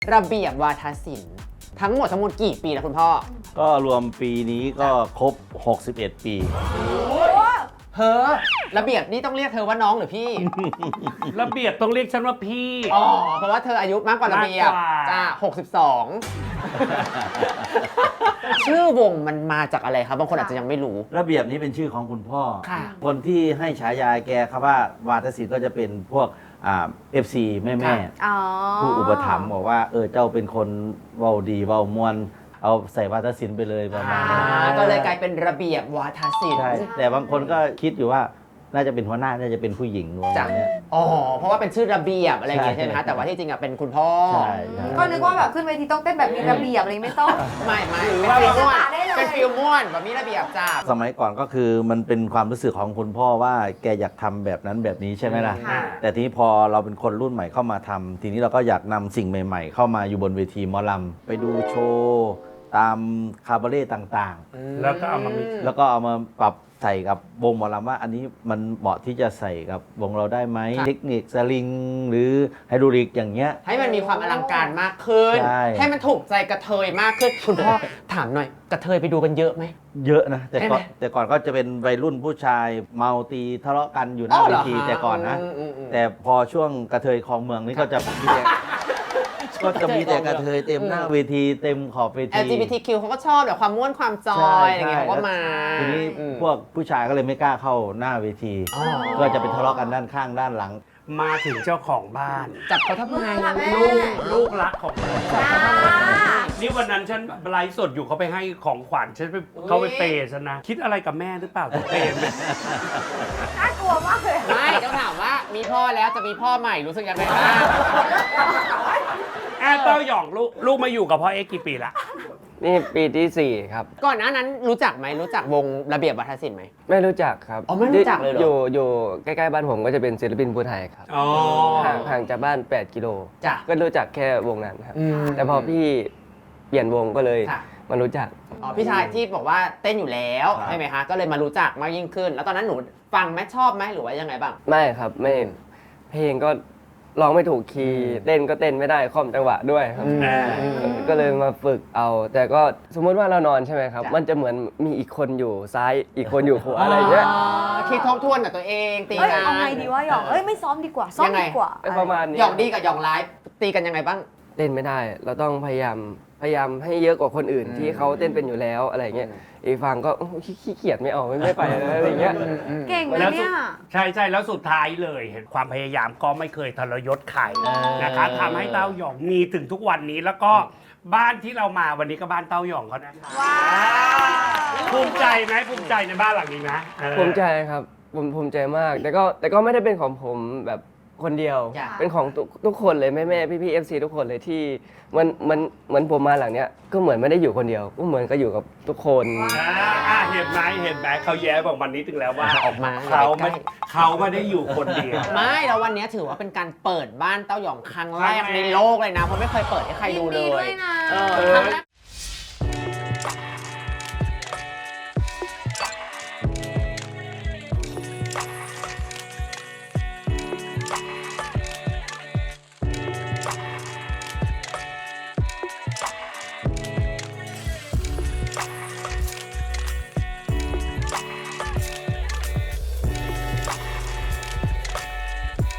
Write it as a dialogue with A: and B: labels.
A: ระเบียบวาทศิลป์ทั้งหมดกี่ปีแล้วคุณพ่อ
B: ก็รวมปีนี้ก็ครบ 61 ปี
A: เธอระเบียบนี่ต้องเรียกเธอว่าน้องหรือพี่
C: ระเบียบต้องเรียกฉันว่าพี่
A: อ๋อเพราะว่าเธออายุมากกว่าระเบียบจ้า62 ชื่อวงมันมาจากอะไรครับบางคนอาจจะยังไม่รู้
B: ระเบียบนี้เป็นชื่อของคุณพ่อ
A: คน
B: ที่ให้ฉายาแกครับว่าวาทศิลป์ก็จะเป็นพวกFC แม่ผู้อุปถัมภ์บอกว่าเจ้าเป็นคนเว้าดีเว้ามวนเอาใส่วาทศิลป์ไปเลยประมาณนั้น
A: ก็เลยกลายเป็นระเบียบวาทศิลป์
B: ใช่แต่บางคนก็คิดอยู่ว่าน่าจะเป็นหัวหน้าน่าจะเป็นผู้หญิงนู้นเนี่ย
A: อ๋อเพราะว่าเป็นชื่อระเบียบอะไรอย่างเงี้ยใช่ไหมคะแต่ว่าที่จริงอ่ะเป็นคุณพ่อ
D: ก็นึกว่าแบบขึ้นเวทีต้องเต้นแบบมีระเบียบอะไรไม่ต้อง
A: ไม่เป็นฟิลม่วนเป็นฟิลม่วนแบบมีระเบียบจ้า
B: สมัยก่อนก็คือมันเป็นความรู้สึกของคุณพ่อว่าแกอยากทำแบบนั้นแบบนี้ใช่ไหมล่ะแต่ทีนี้พอเราเป็นคนรุ่นใหม่เข้ามาทำทีนี้เราก็อยากนำสิ่งใหม่ๆเข้ามาอยู่บนเวทีหมอลำไปดูโชว์ตามคาบาเร่ต่าง
C: ๆแล้วก็เอา
B: มาปรับใส่กับวงหมอลำว่าอันนี้มันเหมาะที่จะใส่กับวงเราได้ไหมเทคนิคสลิงหรือไฮดรอลิกอย่างเงี้ย
A: ให้มันมีความอลังการมากขึ้นให้มันถูกใจกระเทยมากขึ้นคุณพ่อถามหน่อยกระเทยไปดูกันเยอะไหม
B: เยอะนะแต่ก่อนก็จะเป็นวัยรุ่นผู้ชายเมาตีทะเลาะกันอยู่หน้าเวทีแต่ก่อนนะแต่พอช่วงกระเทยคลองเมืองนี่ก็จะก็จะมีแต่กระเทยเต็มหน้าเวทีเต็มขอบเวที
A: LGBTQ เขาก็ชอบแบบความม่วนความจอยอะไรเงี้ยเขาก็มา
B: ทีนี้พวกผู้ชายก็เลยไม่กล้าเข้าหน้าเวทีก็จะเป็นทะเลาะกันด้านข้างด้านหลัง
C: มาถึงเจ้าของบ้าน
A: จับเขาทำไม
C: ลูกรักของนี่วันนั้นฉันไลฟ์สดอยู่เขาไปให้ของขวัญฉันเขาไปเปย์ฉันนะคิดอะไรกับแม่หรือเปล่าจะเปย์
D: น่ากลัวมากเลย
A: ไม่ต้องถามว่ามีพ่อแล้วจะมีพ่อใหม่รู้สึกยังไงบ้าง
C: เต้าหย่องลูกมาอยู่กับพ่อเอ็กกี่ปีละ
E: นี่ปีที่4ครับ
A: ก่อนหน้านั้นรู้จักไหมรู้จักวงระเบียบวาทศิลป์ไหม
E: ไม่รู้จักครับ
A: อ๋อไม่รู้จักเลยเหรอ
E: อยู่ใกล้ๆบ้านผมก็จะเป็นศิลปินภูไทยครับห่างจากบ้าน8 กิโลก็รู้จักแค่วงนั้นครับแต่พอพี่เปลี่ยนวงก็เลยมารู้จัก
A: อ๋อพี่ชายที่บอกว่าเต้นอยู่แล้วใช่ไหมคะก็เลยมารู้จักมากยิ่งขึ้นแล้วตอนนั้นหนูฟังไหมชอบไหมหรือว่ายังไงบ้าง
E: ไม่ครับไม่เพลงก็ร้องไม่ถูกคีย์เต้นก็เต้นไม่ได้คล่อมจังหวะด้วยครับก็เลยมาฝึกเอาแต่ก็สมมติว่าเรานอนใช่ไหมครับมันจะเหมือนมีอีกคนอยู่ซ้ายอีกคนอยู่ขวาอะไรเงี้ย
A: คิดทบทวนกับตัวเองตีกัน
D: เอาไงดีวะหยองไม่ซ้อมดีกว่าซ้อมดีกว่า
E: ประมาณนี้
A: หยองดีกับหยองไลฟ์ตีกันยังไงบ้าง
E: เต้นไม่ได้เราต้องพยายามให้เยอะกว่าคนอื่นที่เขาเต้นเป็นอยู่แล้วอะไรเงี้ยอีกฝั่งก็ขี้เกียจไม่เอาไม่ไปอะไรเงี้ย
D: เก่งเลยเนี่ย
C: ใช่แล้วสุดท้ายเลยเห็นความพยายามก็ไม่เคยทรยศใครนะคะทำให้เต้าหย่องมีถึงทุกวันนี้แล้วก็บ้านที่เรามาวันนี้ก็บ้านเต้าหย่องเขานะคะภูมิใจไหมภูมิใจในบ้านหลังนี้นะ
E: ภูมิใจครับภูมิใจมากแต่ก็ไม่ได้เป็นของผมแบบคนเดียวเป็นของทุกคนเลยแม่พี่FC ทุกคนเลยที่เหมือนผมมาหลังเนี้ยก็เหมือนไม่ได้อยู่คนเดียวก็เหมือนก็อยู่กับทุกคน
C: เห็นไหมเขาแย้บอกวันนี้ถึงแล้วว่า
A: ออกมา
C: เขาไม่ได้อยู่คนเดียว
A: ไม่แล้ววันนี้ถือว่าเป็นการเปิดบ้านเต้าหย่องครั้งแรกในโลกเลยนะเพราะไม่เคยเปิดให้ใครดูเลย